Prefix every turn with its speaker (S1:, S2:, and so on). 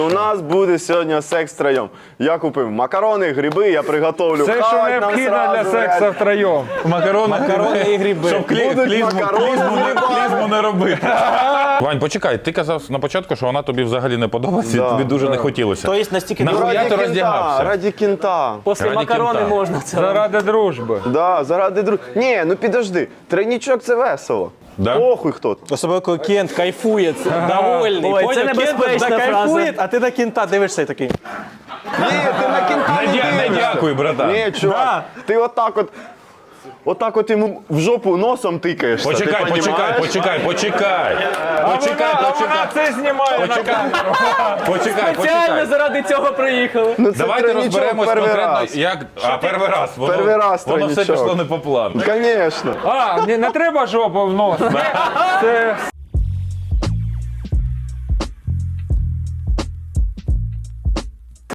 S1: У нас буде сьогодні секс втроєм. Я купив макарони, гриби, я приготовлю.
S2: Все, що
S1: хавать нам
S2: необхідно для
S1: сразу,
S2: сексу
S1: блядь.
S2: втроєм.
S3: Макарони і гриби.
S4: Щоб
S1: Будуть макарони з грибами.
S4: клізму не робити. Вань, почекай, ти казав на початку, що вона тобі взагалі не подобається,
S1: Да,
S4: і тобі дуже не хотілося.
S3: Тобто настільки
S4: Нахуя ти роздягався?
S1: Раді кінта.
S3: після
S4: Раді
S3: макарони
S4: кінта.
S3: можна це.
S2: Заради дружби.
S1: Да, заради друг. Ні, ну підожди. Тройнічок це весело.
S4: Да?
S1: Похуй хто.
S3: Особливо, коли Кент кайфує, довольний.
S5: Ой, це
S3: Поняв? Кент
S5: небезпечна
S3: кайфує,
S5: фраза.
S3: а ти на Кента дивишся і такий.
S1: Ні, ти на кінта не
S4: Не
S1: дивишся.
S4: дякую, братан.
S1: Ні, чувак, ти отак от йому в жопу носом тикаєшся.
S4: Почекай,
S1: ти
S4: почекай,
S1: понімаєш?
S4: почекай.
S2: А вона це знімає на камеру.
S4: Почекай.
S5: Спеціально заради цього приїхали.
S1: Ну, це
S4: Давайте
S1: тройнічок
S4: розберемось
S1: перший
S4: конкретно,
S1: раз.
S4: як... перший раз.
S1: Перший раз
S4: Воно все
S1: тройнічок.
S4: пішло не по плану.
S1: Конечно.
S2: Не треба жопу в нос. Це